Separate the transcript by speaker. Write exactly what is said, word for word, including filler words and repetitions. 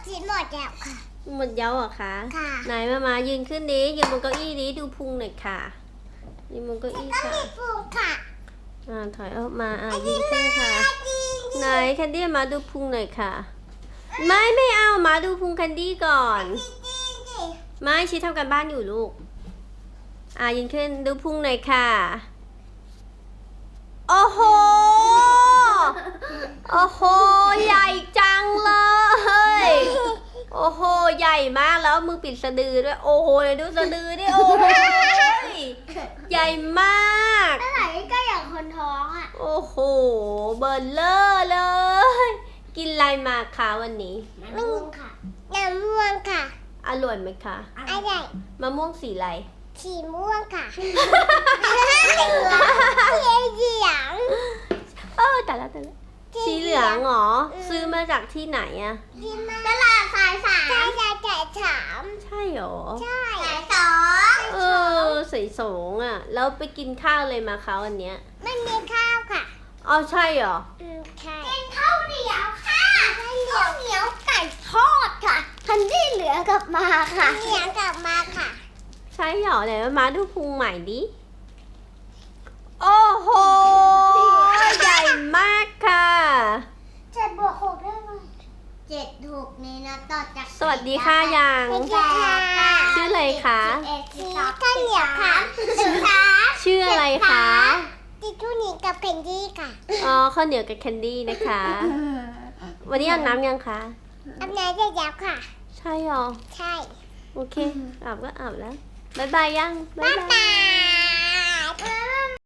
Speaker 1: กินหมดแล้วค่ะ
Speaker 2: หมดเย้าเหรอคะ
Speaker 1: ค่ะ
Speaker 2: ไหนมามายืนขึ้นดิยืนบนเก้าอี้ดิดูพุงหน่อยค่ะยืนบนเก้าอี้ค่ะ
Speaker 1: ก็มีพุงค่ะ
Speaker 2: อ่าถอยออกมาอ่ายืนขึ้นค่ะไหนแคนดี้มาดูพุงหน่อยค่ะไม่ไม่เอามาดูพุงแคนดี้ก่อนไม่ชี้ทำการบ้านอยู่ลูกอ่ายืนขึ้นดูพุงหน่อยค่ะโอ้โหโอ้โหใหญ่จังเลยโอ้โหใหญ่มากแล้วมือปิดสะดือด้วยโอ้โหเลยดูสะดือดิโอ้โหใหญ่มาก
Speaker 1: อะไรก็อย่างคนท้องอ่ะ
Speaker 2: โอ้โหเบิร์นเลอร์เลย กินอะไรมาคะวันนี้
Speaker 1: มะม่วงค่ะน้ำม่วงค่ะ
Speaker 2: อร่อยไหมคะ
Speaker 1: อร่อย
Speaker 2: มะม่วงสีอะไร
Speaker 1: สีม่วงค่ะสีเหลือง
Speaker 2: เออแต่ละแต่ละสีเหลืองเหรอซื้อมาจากที่ไหนอะ
Speaker 1: ตลาดสายสามใช่ใช่สายสาม
Speaker 2: ใช่หรอ
Speaker 1: ใช่สายสอง
Speaker 2: เออสายสองอะแล้วไปกินข้าวเลยมาคะวันเนี้ย
Speaker 1: ไม่มีข้าวค่ะ
Speaker 2: อ๋อใช่หรอ
Speaker 1: อืมใช่เป็นข้าวเหนียวค่ะข้าวเหนียวไก่ทอดค่ะคันที่เหลือกลับมาค่ะเหลือกลับมาค่ะ
Speaker 2: ใช่หรอไหนมาดูพุงใหม่ดิโอ้โหใหญ่มากค่ะ
Speaker 1: เจ็ดบวกหกได้ไหมเจ็ดหกนี่นะต่อจาก
Speaker 2: สวัสดีค่ะยังชื่ออะไรคะ
Speaker 1: ชื่อข้าวเหนียวค่ะ
Speaker 2: ชื่ออะไรคะ
Speaker 1: ติทูนี่กับแคนดี้ค่ะ
Speaker 2: อ๋อข้าวเหนียวกับแคนดี้นะคะวันนี้อาบน้ำยังคะ
Speaker 1: อาบน้ำได้แล้วค่ะ
Speaker 2: ใช่หรอ
Speaker 1: ใช่
Speaker 2: โอเคอาบก็อาบแล้วบ๊ายบายยัง
Speaker 1: บ๊ายบาย